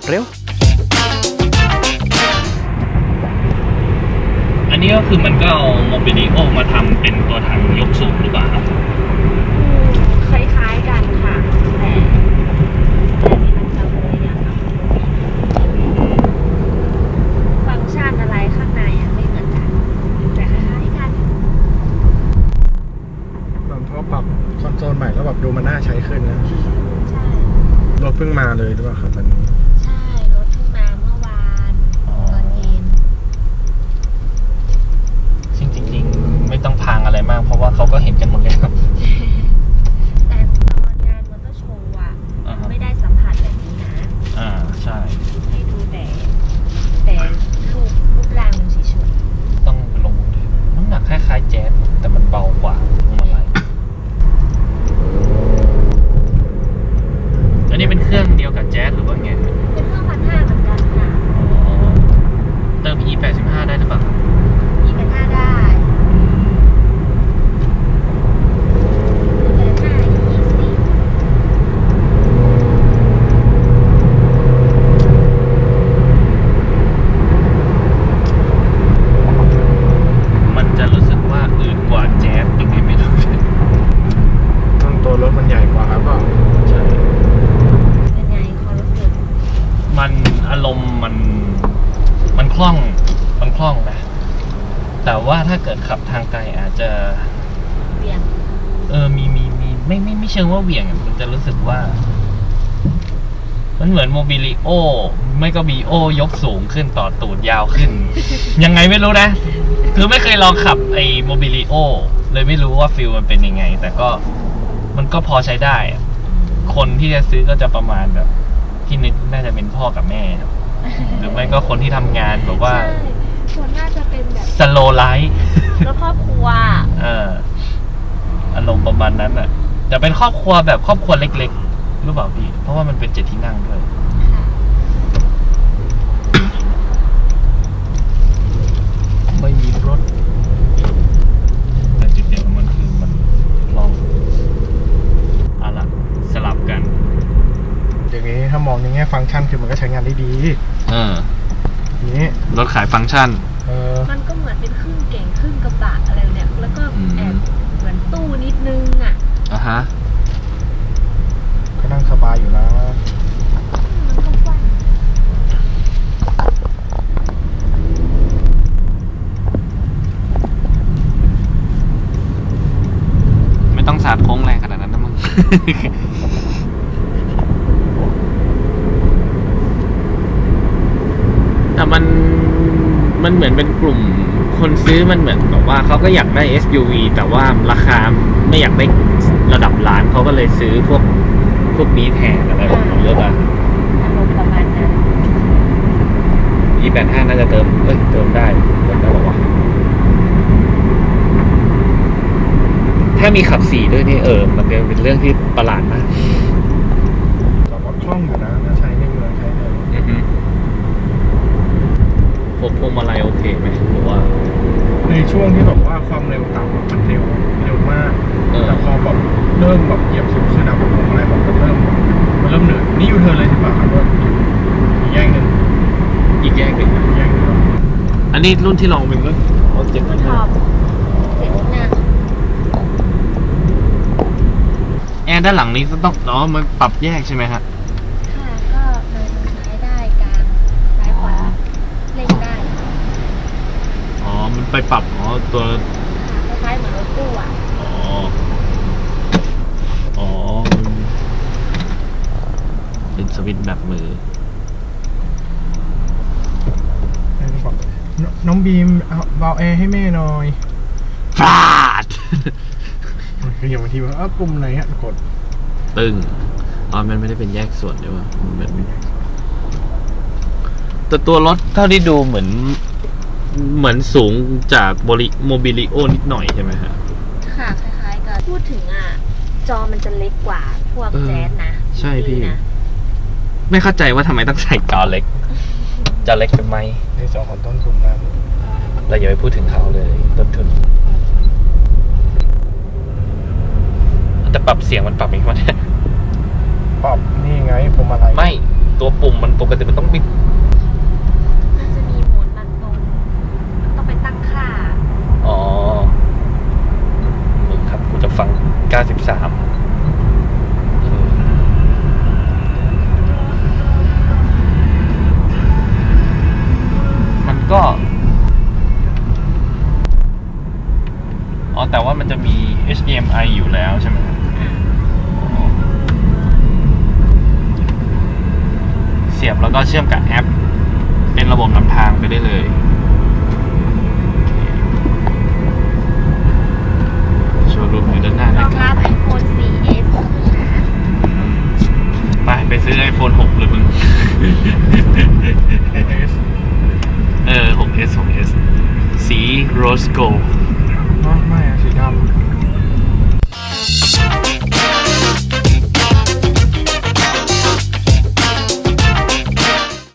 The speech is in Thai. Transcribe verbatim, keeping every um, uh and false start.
เร็วอันนี้ก็คือมันก็เอาโมบิลิโอมาทำเป็นตัวถังยกสูงหรือเปล่าครับคล้ายๆกันค่ะแต่แต่นี่มันจะคนละอย่างกับฟังก์ชันอะไรข้างในอ่ะไม่เหมือนกันแต่คล้ายๆกันตอนเขาปรับคอนโซลใหม่แล้วแบบดูมันน่าใช้ขึ้นนะใช่รถเพิ่งมาเลยหรือเปล่าครับมันใช่รถเพิ่งมาเมื่อวานตอนเย็นจริงๆไม่ต้องพังอะไรมากเพราะว่าเขาก็เห็นกันหมดเลยครับแต่ตอนงานมอเตอร์โชว์อ่ะไม่ได้สัมผัสแบบนี้นะอ่าใช่ให้ดูแต่แต่รูปรูปร่างมันเฉยๆต้องลงน้ำหนักคล้ายๆแจ๊สแต่มันเบากว่าพวงมาลัยอันนี้เป็นเครื่องเดียวกับแจ๊สหรือว่าไงเป็นเครื่องพันห้าเหมือนกันค่ะเติม อี แปดสิบห้า ได้หรือเปล่าอีแปดห้าได้อีแปดห้าอียี่สิบมันจะรู้สึกว่าอื่นกว่าแจ๊สยังไงไม่รู้ต้องตัวรถมันใหญ่กว่าครับก็ใช่เป็นไงความรู้สึกมันอารมณ์มันมันคล่องมันคล่องนะแต่ว่าถ้าเกิดขับทางไกลอาจจะเบี่ยงเออมีมีมีไม่ไม่ไม่เชิงว่าเบี่ยงมันจะรู้สึกว่ามันเหมือนโมบิลิโอไม่ก็บีโอยกสูงขึ้นต่อตูดยาวขึ้น ยังไงไม่รู้นะคือไม่เคยลองขับไอ้โมบิลิโอเลยไม่รู้ว่าฟิลมันเป็นยังไงแต่ก็มันก็พอใช้ได้คนที่จะซื้อก็จะประมาณแบบที่นึกน่าจะเป็นพ่อกับแม่หรือไม่ก็คนที่ทำงานแบบว่าส่วนน่าจะเป็นแบบสโลไลท์แล้วครอบครัวเอออารมณ์ประมาณนั้นอ่ะแต่เป็นครอบครัวแบบครอบครัวเล็กๆรู้เปล่าพี่เพราะว่ามันเป็นเจ็ดที่นั่งด้วยไม่มีรถแต่จุดเด่นของมันคือมันลองเอาล่ะสลับกันอย่างนี้ถ้ามองในแง่ฟังก์ชันคือมันก็ใช้งานได้ดีเออนี้รถขายฟังก์ชันเออมันก็เหมือนเป็นครึ่งเก่งครึ่งกระบะอะไรเนี่ยแล้วก็แอบเหมือนตู้นิดนึงอ่ะอ่ะฮะก็นั่งสบายอยู่นะมันก็กว้างไม่ต้องสาดโค้งแรงขนาดนั้นนะมึง แต่มันมันเหมือนเป็นกลุ่มคนซื้อมันเหมือนแบบว่าเขาก็อยากได้ เอส ยู วี แต่ว่าราคาไม่อยากได้ระดับล้านเขาก็เลยซื้อพวกพวกนี้แทนอะไรแบบนี้หรือเปล่าอารมณ์ประมาณนั้นอี แปดสิบห้า น่าจะเติมเอ้ยเติมได้เติมได้หรอวะถ้ามีขับสี่ด้วยนี่เออมันเป็นเรื่องที่ประหลาดมากแต่ว่าคล่องอยู่นะถ้าใช้ในเมืองใช้เลยอือฮึพวกพวงมาลัยโอเคไหมหรือว่าในช่วงที่แบบว่าความเร็วต่ำมันเร็วเร็วมากแต่พอแบบเริ่มแบบเหยียบสูงขึ้นนะผมอะไรแบบมันเริ่มมันเริ่มเหนื่อยนี่ยูเทิร์นเลยใช่ป่ะครับว่าอีกแยกหนึ่งอีกแยกหนึ่งอีกแยกหนึ่งอันนี้รุ่นที่ลองเป็นก็เอาเจ็ดมันชอบเจ็ดหน้าแอร์ด้านหลังนี้ก็ต้องอ๋อมันปรับแยกใช่ไหมฮะค่ะก็มันซ้ายได้กลางซ้ายขวาเล่นได้อ๋อมันไปปรับอ๋อตัวคล้ายๆเหมือนรถตู้อ่ะอ๋ออ๋อเป็นสวิตช์แบบมือน้องบีมเอาเบาแอร์ให้แม่หน่อยฟาดคืออย่างบางทีว่าเออกลุ่มไหนฮะกดตึงอ๋อมันไม่ได้เป็นแยกส่วนใช่ป่ะมันเป็นแยกแต่ตัวรถเท่าที่ดูเหมือนเหมือนสูงจากโมบิโมบิลิโอนิดหน่อยใช่ไหมฮะค่ะคล้ายๆกันพูดถึงอ่ะจอมันจะเล็กกว่าพวกแจ๊สนะใช่พี่ไม่เข้าใจว่าทำไมต้องใส่จอเล็กจอเล็กทำไมในจอของต้นทุนนั้นเราอย่าไปพูดถึงเขาเลยต้นทุนแต่ปรับเสียงมันปรับอีกมั้ยปรับนี่ไงพวงมาลัยไม่ตัวปุ่มมันปกติมันต้องปิดมันจะมีโหมดรันตรงต้องไปตั้งค่าอ๋อมึงครับกูจะฟังเก้าสิบสามมันก็ อ๋อ แต่ว่ามันจะมี เอช ดี เอ็ม ไอ อยู่แล้วใช่ไหมครับอ๋อเสียบแล้วก็เชื่อมกับแอป เป็นระบบนำทางไปได้เลย โชว์รูมอยู่ด้านหน้าร นะองครัรับบ ไอโฟน โฟร์เอสไป ไปซื้อ iPhone หกเลยมึง เออ หก เอส หก เอส สี Rose Gold ไม่อะสีดำ